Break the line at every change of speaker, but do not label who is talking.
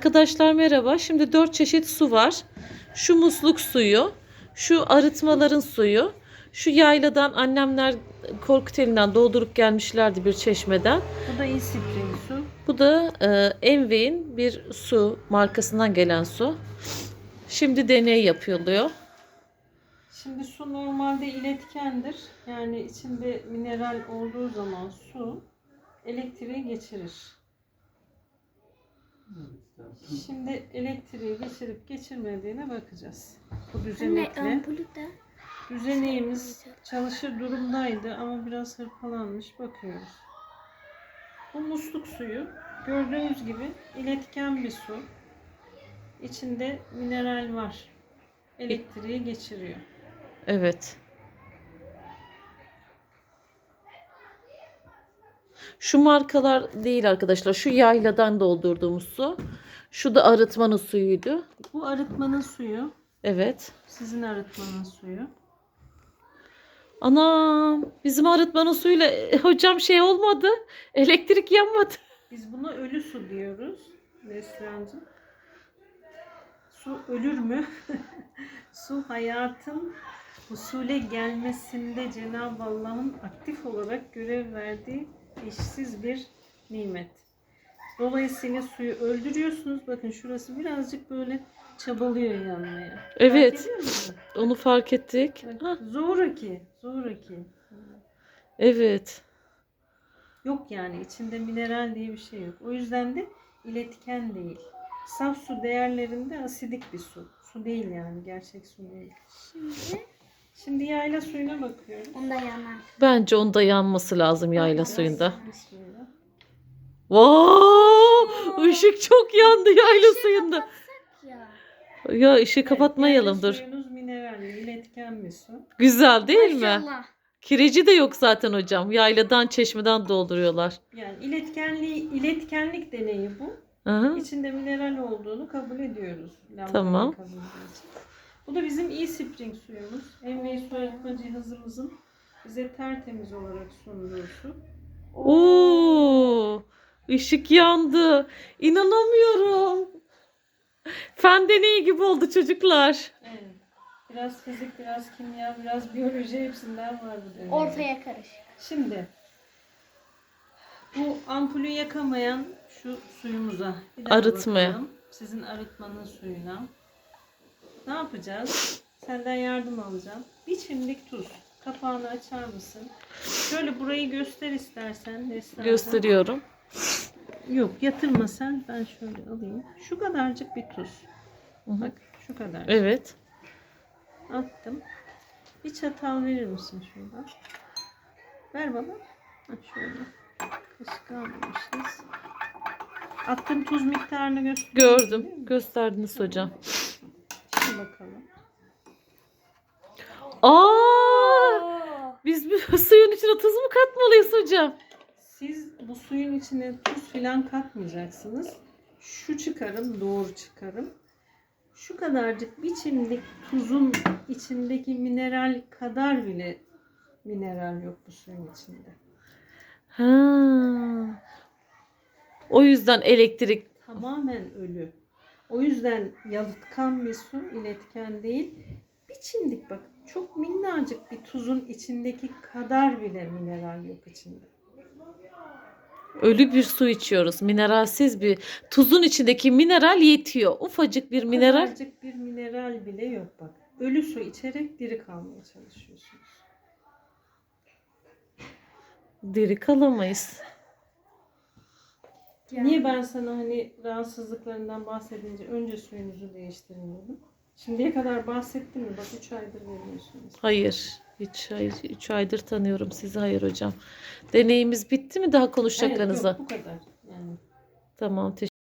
Arkadaşlar merhaba. Şimdi 4 çeşit su var. Şu musluk suyu, şu arıtmaların suyu, şu yayladan annemler Korkuteli'nden doldurup gelmişlerdi bir çeşmeden.
Bu da İspring su.
Bu da Envey'in bir su markasından gelen su. Şimdi deney yapılıyor.
Şimdi su normalde iletkendir. Yani içinde mineral olduğu zaman su elektriği geçirir. Şimdi elektriği geçirip geçirmediğine bakacağız. Bu düzenekle. Düzeneğimiz çalışır durumdaydı ama biraz hırpalanmış. Bakıyoruz. Bu musluk suyu gördüğünüz gibi iletken bir su. İçinde mineral var. Elektriği geçiriyor.
Evet. Şu markalar değil arkadaşlar. Şu yayladan doldurduğumuz su. Şu da arıtmanın suyuydu.
Bu arıtmanın suyu.
Evet.
Sizin arıtmanın suyu.
Anam, bizim arıtmanın suyuyla hocam şey olmadı. Elektrik yanmadı.
Biz buna ölü su diyoruz. Neslihan'cığım. Su ölür mü? Su hayatın husule gelmesinde Cenab-ı Allah'ın aktif olarak görev verdiği eşsiz bir nimet. Dolayısıyla suyu öldürüyorsunuz. Bakın şurası birazcık böyle çabalıyor yanmaya.
Evet.
Fark ediyor musun?
Onu fark ettik. Hah,
Zoraki.
evet.
Yok yani içinde mineral diye bir şey yok. O yüzden de iletken değil. Saf su değerlerinde asidik bir su. Su değil yani, gerçek su değil. Şimdi yayla suyuna bakıyoruz.
Onda yanar.
Bence onda yanması lazım yayla
Bakacağız.
suyunda.
Bismillah.
Wow! Işık çok yandı yayla suyunda.
Ya.
Ya ışığı
Evet,
kapatmayalım
yayla
dur.
suyunuz mineralli, iletken bir su.
Güzel değil mi?
Maşallah.
Kireci de yok zaten hocam. Yayladan, çeşmeden dolduruyorlar.
Yani iletkenlik deneyi bu.
Aha.
İçinde mineral olduğunu kabul ediyoruz.
Tamam.
Kabul ediyoruz. Bu da bizim e-spring suyumuz. Envei su arıtma cihazımızın bize tertemiz olarak sunduğu su.
Oo! Işık yandı. İnanamıyorum. Fen deneyi gibi oldu çocuklar.
Evet. Biraz fizik, biraz kimya, biraz biyoloji hepsinden var bu deneyde.
Ortaya karışık.
Şimdi bu ampulü yakamayan şu suyumuza bir daha
Arıtmaya.
bakalım. Sizin arıtmanın suyuna. Ne yapacağız? Senden yardım alacağım. Bir çimdik tuz. Kapağını açar mısın? Şöyle burayı göster istersen. Neslihan'cığım.
Gösteriyorum.
Yok, yatırma sen. Ben şöyle alayım. Şu kadarcık bir tuz.
Hı hı.
Bak şu kadar.
Evet.
Attım. Bir çatal verir misin şuradan? Ver bana. Ha, şöyle. Kaşık almamışız. Attığım tuz miktarını gösteriyor.
Gördüm. Gösterdiniz hocam.
Şimdi bakalım.
Aa! Biz bu suyun içine tuz mu katmalıyız hocam?
Siz bu suyun içine tuz filan katmayacaksınız. Şu çıkarım, doğru çıkarım. Şu kadarcık bir çimdik tuzun içindeki mineral kadar bile mineral yok bu suyun içinde.
Ha. O yüzden elektrik.
Tamamen ölü. O yüzden yalıtkan bir su, iletken değil. Bir çimdik bak, çok minnacık bir tuzun içindeki kadar bile mineral yok içinde.
Ölü bir su içiyoruz. Mineralsiz bir. Tuzun içindeki mineral yetiyor. Ufacık bir mineral.
Kadarcık bir mineral bile yok bak. Ölü su içerek diri kalmaya çalışıyorsunuz.
Diri kalamayız.
Niye ben sana hani rahatsızlıklarından bahsedince önce suyunuzu değiştirin dedim. Şimdiye kadar bahsettim mi? Bak 3 aydır veriyorsunuz.
Hayır. Hiç hayır. 3 aydır tanıyorum sizi. Hayır hocam. Deneyimiz bitti mi? Daha
Evet,
konuşacaklarınıza?
yok bu kadar. Yani
Tamam.